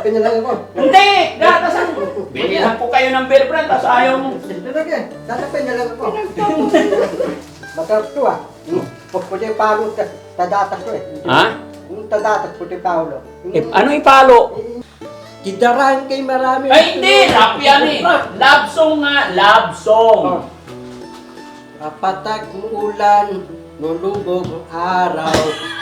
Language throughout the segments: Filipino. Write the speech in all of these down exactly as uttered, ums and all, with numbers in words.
Tatapin niya lang ako. Hindi! Gatasan! Bilihan ko kayo ng bear brand, tapos ayaw mo. Talaga, tatapin niya lang ako. Masarap to ah. Puti yung palo, tadatas ko eh. Ha? Yung tadatas, puti palo. Eh, ano ipalo? Kidarahan kay marami. Ay, hindi! Rap yan eh! Love song nga! Love song! Oh. Papatak ng ulan, nulubog ang araw.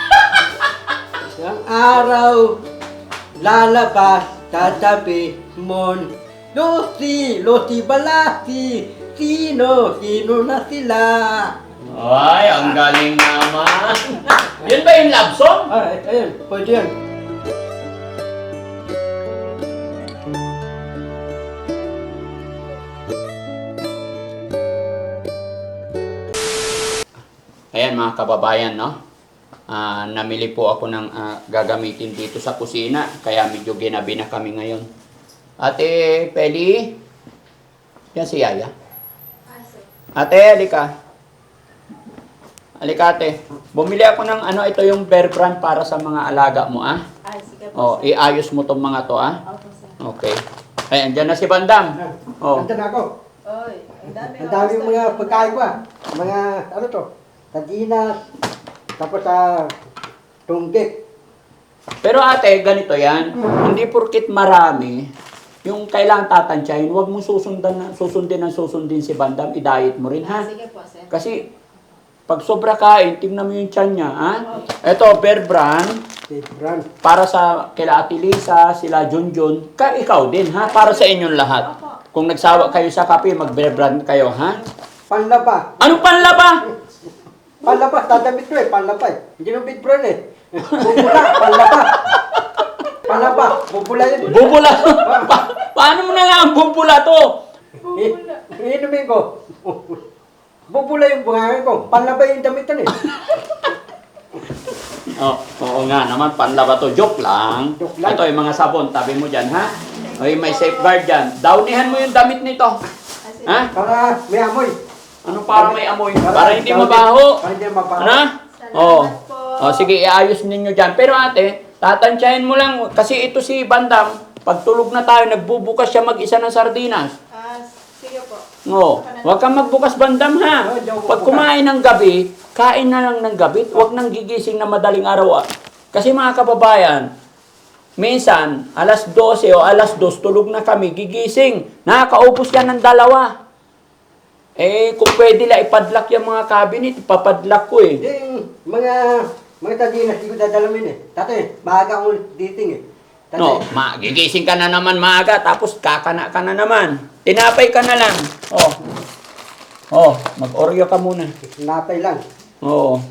Ang araw, lalabas, tatabi mon. Lucy, Lucy Balasi, sino, sino na sila? Ay, ang galing naman! Yun ba yung love song? Ay, ayun, pwede yan. Ayan mga kababayan, no? Ah, namili po ako ng ah, gagamitin dito sa kusina. Kaya medyo ginabi na kami ngayon. Ate Peli? Yan si Yaya. Ate, halika. Halika ate. Bumili ako ng ano, ito yung bear brand para sa mga alaga mo, ah. Ay, sige Oh, po, sir. iayos mo tong mga to, ah. Opo, sir. Okay. Ayan, dyan na si Bandam. Oh. Nandun ako. Oy, ang dami. Ang dami mga pagkain ko ah. Mga, ano to? Sardinas, tapos sa tunggik. Pero ate, ganito yan. Hindi porkit marami, yung kailangan tatansyahin, huwag mong susundan na, susundin ang susundin si Bandam, i-diet mo rin, ha? Sige po, sir. Kasi, pag sobra kain, tingnan mo yung tiyan niya, ha? Ito, Bear Brand, Brand. para sa kila Ate Lisa, sila Junjun, ka ikaw din, ha? Para sa inyong lahat. Kung nagsawa kayo sa kape, mag-Bear Brand kayo, ha? Panlaba. Anong panlaba? Panlaba, dadamit ko eh, panlaba eh. Hindi nung big brand eh. Bubula, panlaba. Panlaba, bubula yun. Bubula. Pa- paano mo na nga ang bubula to? Bubula. I- Inumin ko. Bubula yung buhangin ko. Panlaba yung damitan eh. Oh, oo nga naman, panlaba to. Joke lang. Joke lang. Ito yung mga sabon, tabi mo dyan, ha? Ay, may safeguard dyan. Downihan mo yung damit nito. Ha? Para may amoy. Ano para may amoy? Para hindi mabaho. Para hindi mabaho. Ano? Salamat Oh. po. Oh, sige, iayos ninyo dyan. Pero ate, tatansyahin mo lang. Kasi ito si Bandam, pag tulog na tayo, nagbubukas siya mag-isa ng sardinas. Ah, sige po. No, huwag kang magbukas Bandam, ha? Pag kumain ng gabi, kain na lang ng gabi. Huwag nang gigising na madaling araw. ah. Kasi mga kababayan, minsan, alas dose o alas dos, tulog na kami, gigising. Nakakaubos yan ng dalawa. Eh, kung pwede lang ipadlock yung mga cabinet, ipapadlock ko eh. Hindi, yung mga, mga sardinas, hindi ko dadalamin eh. Tatay, maaga akong dating eh. Tatay, No, ma gigising ka na naman maaga, tapos kakana ka na naman. Tinapay ka na lang. Oh. Oh, mag-oreo ka muna. napay lang. Oo.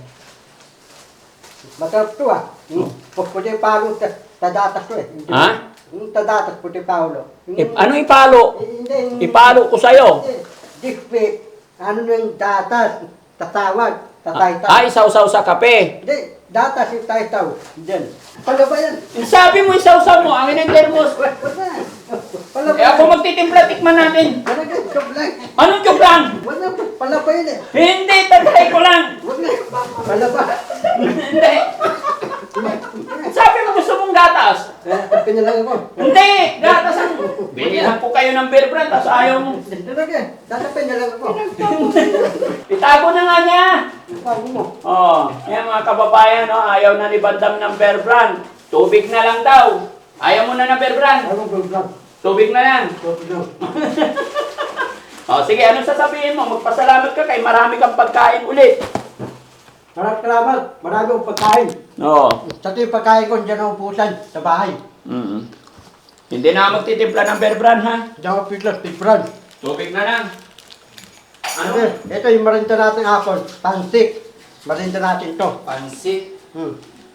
Masarap to ah. Yung puti yung palo, tadatas ko eh. Yung- Ha? Yung tadatas, puti palo. Yung- I- ano ipalo? Hindi, yung- Ipalo ko sa'yo. Hindi, dikpi. Ano yung datas? Tatawag. Tataytaw. Ay, sausaw sa kape. Hindi, datas yung taytaw. Diyan. Palaba yan. Sabi mo isausaw mo, ang inang termos. Wala. Palaba Eh ako magtitimpla, tikman natin. Wala ka, joke lang. Anong joke lang? Wala, palaba yan eh. Hindi, tagay ko lang. Wala. Palaba. Hindi. Sabi mo gusto mong gatas. Eh, tapin na lang ako. Hindi, gatasan. Bilihan ko kayo ng bear brand, tapos ayaw mo. Talaga, tatapin na lang ako. Itago na nga niya. Sabi mo. Oh, yan mga kababayan, no? Ayaw na ni Bandam ng bear brand. Tubig na lang daw. Ayaw mo na ng bear brand. Ano ba lang? Tubig na lang. Joke lang. Oh, sige, anong sasabihin mo? Magpasalamat ka kay marami kang pagkain ulit. Maraming salamat. Marami akong pagkain. Oo. Sa ito yung pagkain ko, dyan ako pusan sa bahay. Mm-hmm. Hindi na ako magtitimpla ng bear brand, ha? Diyan ako pitlas, pitbran. Tubig na lang. Ano? Ano? Ito yung marinda natin hapon. Pansik. Marinda natin to. Pansit. Hmm.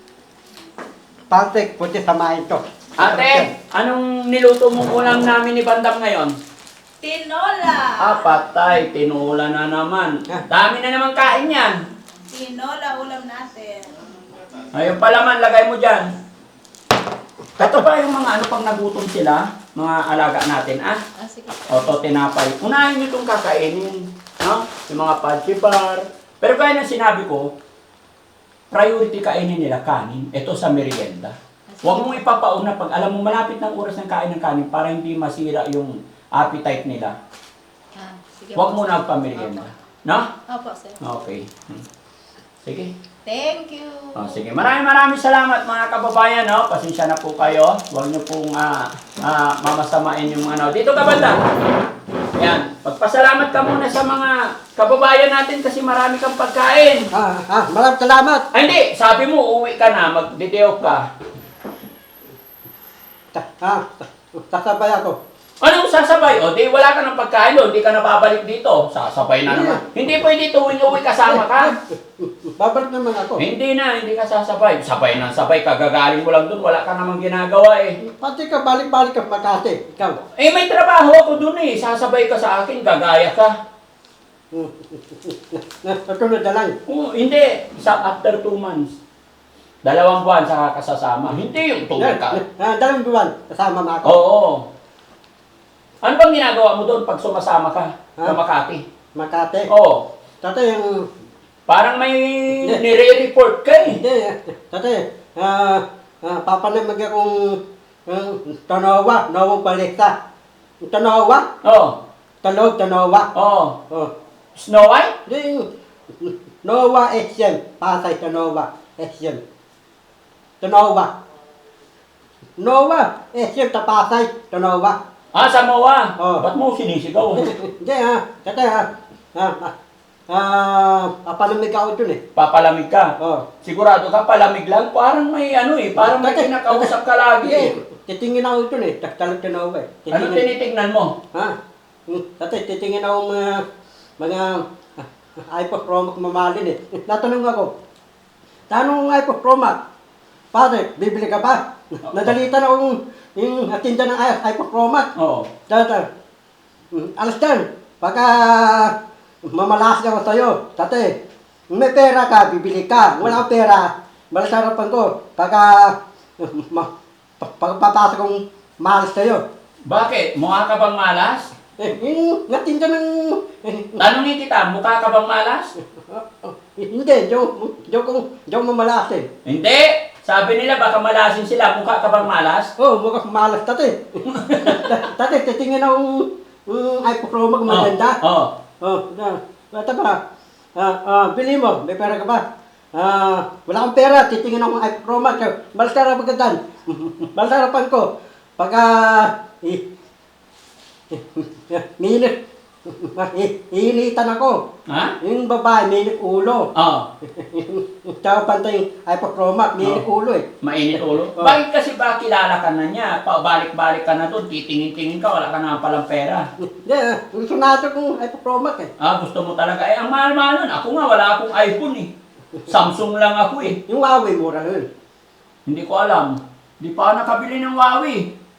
Pansik, puti samahin to. Ate, anong niluto mong ulam namin ni Bandam ngayon? Tinola. Ah, patay. Tinula na naman. Dami na naman kain yan. Tinola ulam natin. Ayun pala man, lagay mo dyan. Ito pa yung mga ano pang nagutom sila, mga alaga natin, ah. Ah, sige. O, to tinapay. Unahin nyo itong kakainin. No? Yung mga fudgy bar. Pero kaya nang sinabi ko, priority kainin nila kanin. Ito sa merienda. Ah, sige. Huwag mong ipapauna pag alam mo malapit ng oras ng kain ng kanin para hindi masira yung appetite nila. Ah, sige Huwag po, mo sir. na pamerienda. Opo. No? Opo, sir. Okay. Hmm. Sige. Thank you. Oh, sige. Maraming maraming salamat mga kababayan. No? Pasensya na po kayo. Huwag niyo pong ah, ah, mamasamain yung ano. Dito ka banda. Yan. Pagpasalamat ka muna sa mga kababayan natin kasi marami kang pagkain. Ah, ah, maraming salamat. Ay, hindi. Sabi mo, uuwi ka na. Magdideo ka. Ta- Ah, sasabay ako. Anong sasabay? O, di wala ka ng pagkain doon. Di ka na babalik dito. Sasabay na naman. Hindi pwede tuwing-uwi kasama ka. Babalik naman ako. Hindi na, hindi ka sasabay. Sabay na, sabay ka. Gagaling mo lang doon. Wala ka namang ginagawa eh. Pati ka balik-balik ka Makati. Ikaw. Eh, may trabaho ako doon eh. Sasabay ka sa akin. Gagaya ka. Natunod na lang. Oh, hindi. Sa after two months. Dalawang buwan saka kasasama. Hindi yung tuwing ka. Ah, dalawang buwan. Kasama mo ako. Oo. Ano bang ginagawa mo doon pag sumasama ka sa Ha? Makati? Makati. Oo. Tatay, yung... Parang may Hindi. nire-report ka eh. Hindi, tatay, ah, ah, papanamag akong um, Tanowa, Nawang Balita. Tanowa? Oo. Talog, Tanowa. Oo. Oh. Snow White? Hindi, yung Nowa Asian. Pasay, Tanowa, Asian. Tanowa. Nowa, Asian, Tapasay, Tanowa. Ah, Samoa. Oo. Ba't mo sinisigaw? Hindi ha, tatay ha. Ah, ah, ah, papanamig ako dun eh. Papalamig ka. Oh. Sigurado ka, palamig lang. Parang may ano eh, parang may Tatay, kinakausap ka lagi eh. Titingin ako dun eh. Talog, Tanowa eh. Ano tinitignan mo? Ha? Hmm, Tatay, titingin ako mga, mga uh, iPod mamalin eh. Natanong ako, tanong ng iPod Pro Max, pare, bibili ka ba? Nadalitan akong yung atinda ng i- iPod Pro Max. Oo. Tatay, hmm, alas dan, pagka mamalas ako sa'yo, tatay, may pera ka, bibili ka. Wala akong pera, malasarapan ko. Pagka, ma, pagpapasok kong malas sa'yo. Bakit? Mukha ka bang malas? Eh, yung natinda ng... Tanungin kita, mukha ka bang malas? Hindi, joke, joke kong, joke mamalas eh. Hindi! Sabi nila baka malasin sila, mukha ka bang malas? Oh, mukhang malas tate. Tate, titingin akong um, iPod Pro Max maganda. Oo. Oh, na, bata ba? Ah, ah, bili mo, may pera ka ba? Ah, wala akong pera, titingin akong iPod Pro Max. Malasara pagkatan. Malasarapan ko. Pagka, eh, minit, hihilitan ako. Ha? Yung babae, minit ulo. Oo. Tsaka pantay yung iPod Pro Max, minit Oh. ulo eh. Mainit ulo. Oh. Bakit kasi ba kilala ka na niya? Pabalik-balik ka na doon, titingin-tingin ka, wala ka na palang pera. Hindi, ah, gusto natin kung iPod Pro Max eh. Ah, gusto mo talaga. Eh, ang mahal-mahal nun. Ako nga, wala akong iPhone eh. Samsung lang ako eh. Yung Huawei, mura nun. Hindi ko alam. Hindi pa ako nakabili ng Huawei.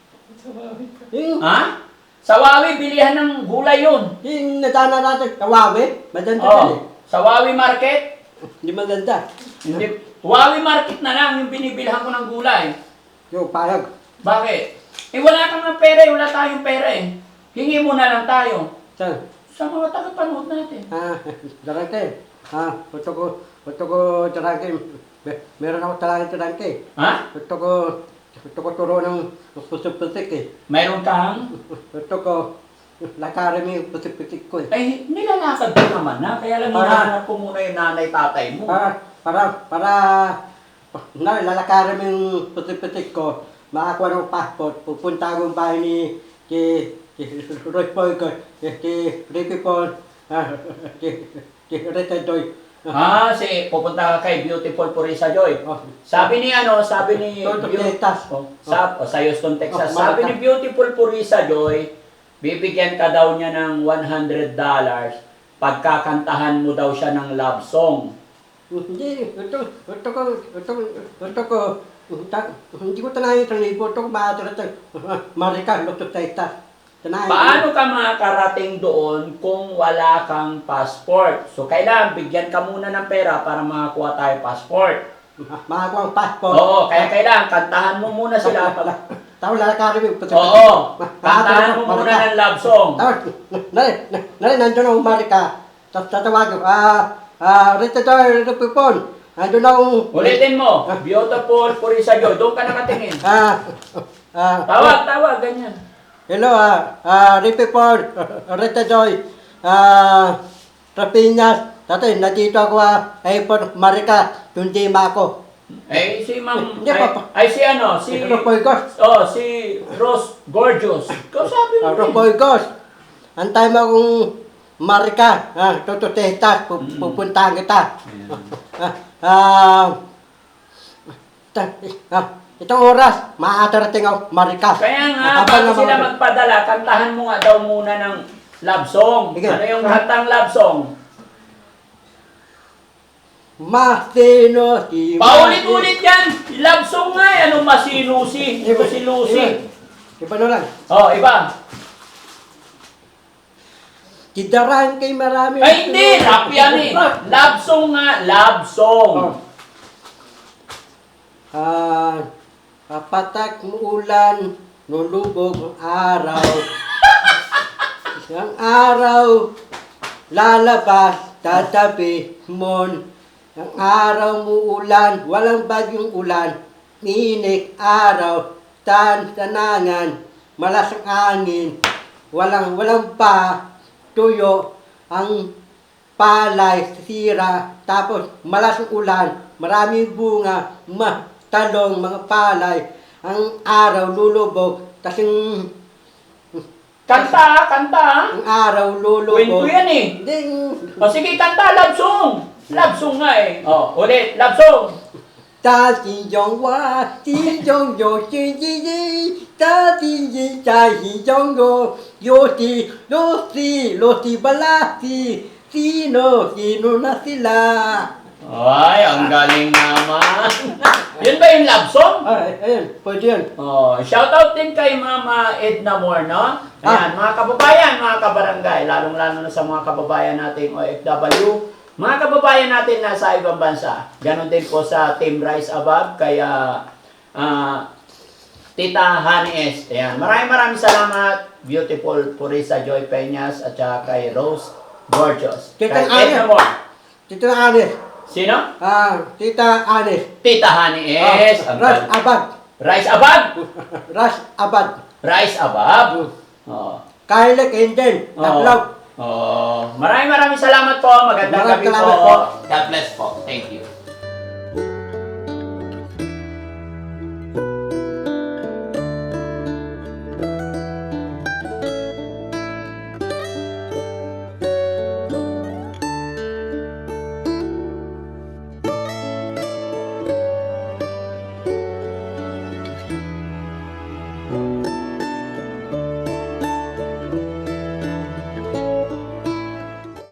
Yung, Ha? Sa Huawei, bilihan ng gulay yun. yung nadana natin, sa Huawei, maganda Oh, din eh. sa Huawei Market. Hindi maganda. Hindi. Huawei Market na lang yung binibilhan ko ng gulay. Yung payag. Bakit? Eh, wala kang ng pera eh. Wala tayong pera eh. Hingi mo na lang tayo. Saan? Sa mga tagapanood natin. Ah, darangke. Ah, gusto ko, gusto ko darangke. Mer- Meron ako talagang darangke. Ha? Gusto ko, gusto ko turo ng pusik-pusik eh. Mayroon kang? Gusto ko, lakarin mo yung pusik-pusik ko eh. Ay, nilalakad ko naman na. Kaya lang Para- hinahanap ko muna yung nanay-tatay mo. Para, para, para, na, lalakarin mo yung pusik-pusik ko. Makakuha ng passport. Pupunta akong bahay ni, si, si Roy Poyko, si, si Ricky Paul, ah, si, si Rita Joy. Ah, si pupunta ka kay Beautiful Purisa Joy. Oh, Sabi ni ano, sabi ni Houston, Beau- Texas. Oh, sa, oh, sa Houston, Texas. Oh, Sabi Malaka. ni Beautiful Purisa Joy, bibigyan ka daw niya ng one hundred dollars pagkakantahan mo daw siya ng love song. Hindi, ito, ito ko, ito, ito ko, ta- hindi ko tanayin sa libo, ito ko maatara sa Marika, Lotto Texas. Tanayin. Paano ka makakarating doon kung wala kang passport? So, kailangan bigyan ka muna ng pera para makakuha tayo passport. Makakuha ang passport. Oo, kaya kailangan kantahan mo muna sila. Tapos lalakarin mo. Oo, kantahan mo muna ng love song. Tapos, nari, nari, nandun ang Marika. Tapos tatawag ko, ah, ah, Rita Joy, Rita Pipon, Nandun akong... Ulitin mo. Beautiful Purisa Joy. Doon ka nakatingin. Ah, ah, Tawag, tawag, ganyan. hello, ah, ah, Ricky Ford, Rita Joy, ah, Rapinas, tatay, nandito ako, ah, airport, Marika, tundi ma ako. Eh, si Ma'am... Hindi Ay, pa pa. ay, si ano? Si... Ropoy Ghost, Oh, si Rose Gorgeous. Kausapin mo. ah, eh. Ropoy Ghost, antay mo akong Marika, ah, tututehtas, pu- pupuntahan kita. Ah, ah, ta- ah, itong oras, maaatarating ako, Marika. Kaya nga, Abang bago na sila mga- magpadala, kantahan mo nga daw muna ng love song. Sige. Ano yung kantang love song? Masino si Paulit-ulit yan! Love song nga eh. Anong masinusi? Iba, Lucy-Lucy. Iba, iba na lang. Oh, iba. Kidaran kay marami. Ay, hindi! Rap yan eh. Love song nga. Love song. Oh. Ah, kapatak mo ulan, nulubog ang araw. Ang araw, lalabas, tatabi mon. Ang araw mo ulan, walang bagyong ulan. Inik araw, tan tanangan, malasang angin. Walang walang pa, tuyo, ang palay, sira, tapos malasang ulan, maraming bunga, ma, talong, mga palay, ang araw lulubog, kasing Kanta, kanta. ang araw lulubog. Kwento yan eh. Hindi, O sige, kanta. Love song. Love song nga eh. Oh, ulit. Love song. ta xin dong wa, xin dong yo, xin ji ji, ta xin ji, ta xin dong yo, yo si, lo si, lo si bala si, sino, sino na sila. Ay, ang galing naman. Yun ba yung love song? Ay, ayun, pwede yun. Oh, shoutout din kay Mama Edna Moore, no? Ayan, mga kababayan, mga kabarangay, lalong-lalo na sa mga kababayan nating O F W, mga kababayan natin na sa ibang bansa. Ganon din po sa Team Rise Above, kaya ah, Tita Honey S. Ayan, maraming maraming salamat, beautiful Purisa Joy Peñas, at saka kay Rose Gorgeous. Tita Kay Honey. Edna Moore. Tita Anis, Sino? ah, Tita Anis. Tita Honey S. Ah, Ang Ras galing. Abad, Rise Above. Ras Abad. Rise Above. Oh. Kyle Kendall, Oo. Taplaw. Oh, maraming maraming salamat po. Magandang Maraming gabi salamat po. po. God bless po. Thank you.